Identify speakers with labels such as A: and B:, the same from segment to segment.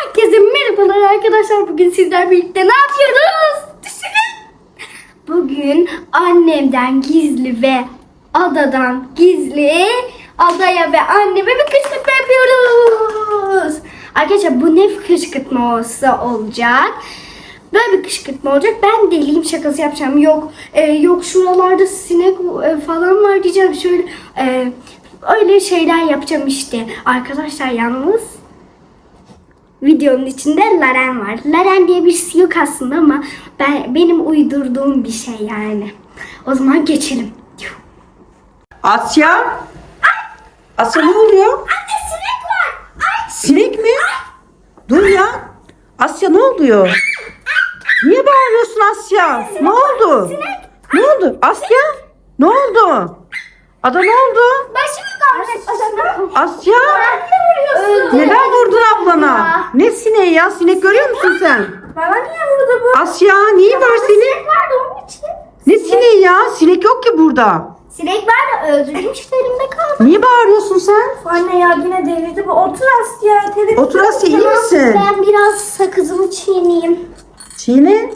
A: Herkese merhabalar arkadaşlar. Bugün sizler birlikte ne yapıyoruz? Düşünün. Bugün annemden gizli ve adadan gizli adaya ve anneme bir kışkırtma yapıyoruz. Arkadaşlar bu ne kışkırtması olacak? Böyle bir kışkırtma olacak. Ben deliyim şakası yapacağım. Yok şuralarda sinek falan var diyeceğim. Şöyle öyle şeyler yapacağım işte. Arkadaşlar yalnız videonun içinde Laren var. Laren diye birisi yok aslında ama benim uydurduğum bir şey yani. O zaman geçelim.
B: Asya? Asya ne oluyor?
A: Anne sinek var. Ay.
B: Sinek mi? Dur ya. Asya ne oluyor? Niye bağırıyorsun Asya? Ne oldu? Ne oldu? Asya? Ne oldu? Ada ne oldu?
A: Başımı kaldı.
B: Asya?
A: vuruyorsun?
B: Neden vurdun ablana? Ne sineği ya? Sinek görüyor musun sen?
A: Bana niye vurdu bu?
B: Asya neyi var senin?
A: Sinek vardı onun için.
B: Ne sineği ya? Sinek yok ki burada.
A: Sinek var da öldürdüm işte elimde kaldı.
B: Niye bağırıyorsun sen?
C: Anne ya yine delirdi bu. Otur Asya. Televizyon.
B: Otur Asya, iyi misin?
A: Ben biraz sakızımı çiğneyim.
B: Çiğne.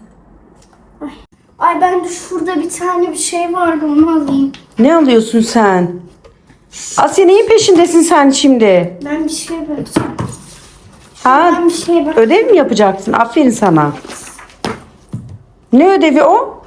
A: Ay ben de şurada bir tane bir şey vardı onu alayım.
B: Ne alıyorsun sen? Asya neyin peşindesin sen şimdi?
A: Ben bir şey bakacağım.
B: Ha?
A: Ben bir şey bak.
B: Ödev mi yapacaksın? Aferin sana. Ne ödevi o?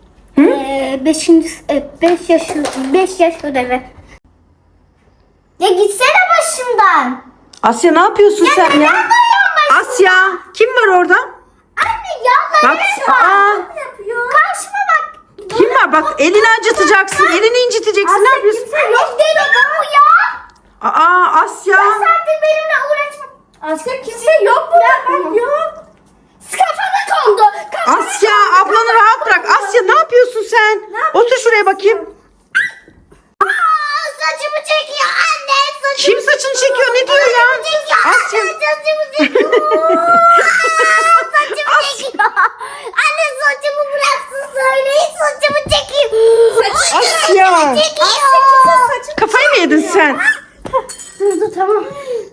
A: 5 yaş ödevi. Ya gitsene başımdan.
B: Asya ne yapıyorsun sen ya?
A: neden dayanmasın?
B: Asya kim var orada?
A: Anne ya
B: Bak,
A: ne yapıyor? Karşıma bak.
B: Kim var? Bak elini acıtacaksın. Elini inciteceksin. Ne yapıyorsun?
A: Kimse yok deli bu ya.
B: Asya.
A: Saattir benimle uğraşma.
C: Asya kimse yok burada. Ben yok.
A: Kafana kondu.
B: Asya ablanı rahat bırak. Asya ne yapıyorsun sen? Otur şuraya bakayım.
A: Saçımı çekiyor anne.
B: Kim saçını çekiyor? Ne diyor ya? Asya.
A: Saçımı çekiyor. Saçımı çekiyor. Anne saçımı bıraksın söyleyin saçımı çekeyim.
B: Asya.
A: Çekiyor.
B: Kafayı mı yedin sen?
A: Dur tamam.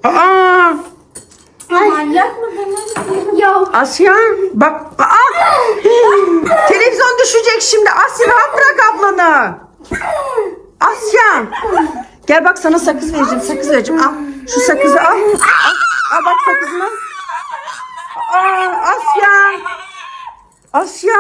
C: Manyak mı demek?
A: Ya
B: Asya bak. Televizyon düşecek şimdi. Asya rahat bırak ablanı. Asya. Gel bak sana sakız vereceğim. Sakız vereceğim. Al. Şu sakızı al. Al bak sakızını. Asya. Asya.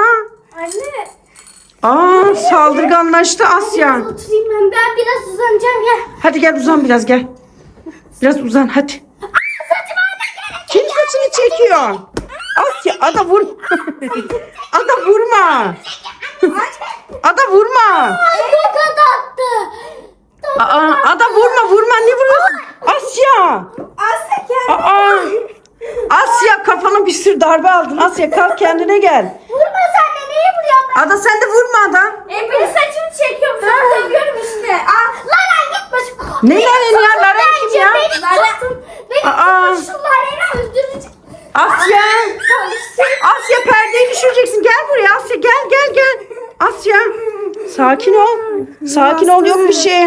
C: Anne.
B: Saldırganlaştı Asya.
A: oturayım ben biraz uzanacağım ya.
B: Hadi gel uzan biraz gel. Biraz uzan hadi. Kim saçını çekiyor? Asya ada vur. Ada vurma. Ada vurma.
A: Tokat attı.
B: Ada vurma ne vuruyorsun? Asya.
C: Asya kendine.
B: Asya kafana bir sürü darbe aldın. Asya kalk kendine gel.
A: Vurma sen de neye vuruyorsun ben?
B: Ada sen de vurma Ada.
C: Beni saçımı çekiyorum. Sana dövüyorum işte.
A: Laren git başım.
B: Ne Laren ya? Laren kim ya?
A: Beni tutun. Beni tutun şu Laren'i öldürecek.
B: Asya. Asya perdeyi düşüreceksin. Gel buraya Asya gel. Asya. Sakin ol. Sakin ol yok bir şey.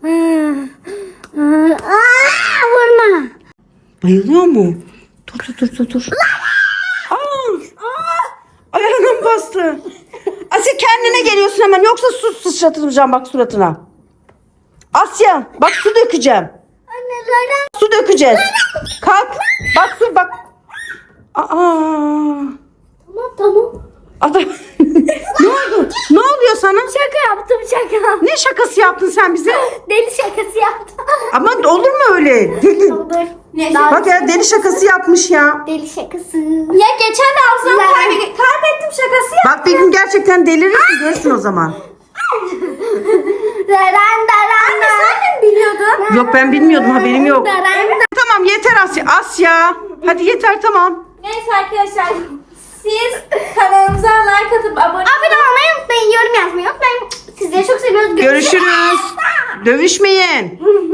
A: Vurma.
B: Bayılıyor mu? Dur. Ayağına mı bastı? Asya kendine geliyorsun hemen yoksa su sıçratacağım bak suratına. Asya bak su dökeceğim.
A: Anne Laren.
B: Su dökeceğiz. Kalk. Bak su bak.
A: Tamam.
B: Ada. Ne oldu? Ne oluyor sana?
A: Şaka yaptım şaka.
B: Ne şakası yaptın sen bize?
A: Deli şakası yaptım.
B: Ama olur mu öyle? Deli.
A: Olur.
B: Bak ya deli şakası yapmış ya.
A: Deli şakası.
C: Ya geçen de hafızamı kaybettim şakası ya.
B: Bak bir gün gerçekten delirirsin görürsün o zaman.
A: Laren.
C: Anne sen de mi biliyordun?
B: Yok ben bilmiyordum haberim yok.
A: Laren.
B: Tamam yeter Asya. Asya. Hadi yeter tamam.
C: Neyse arkadaşlar. Siz kanalımıza like atıp abone
A: Abone olmayı unutmayın. Yorum yazmayı unutmayın. Sizleri çok seviyoruz.
B: Görüşürüz. Dövüşmeyin.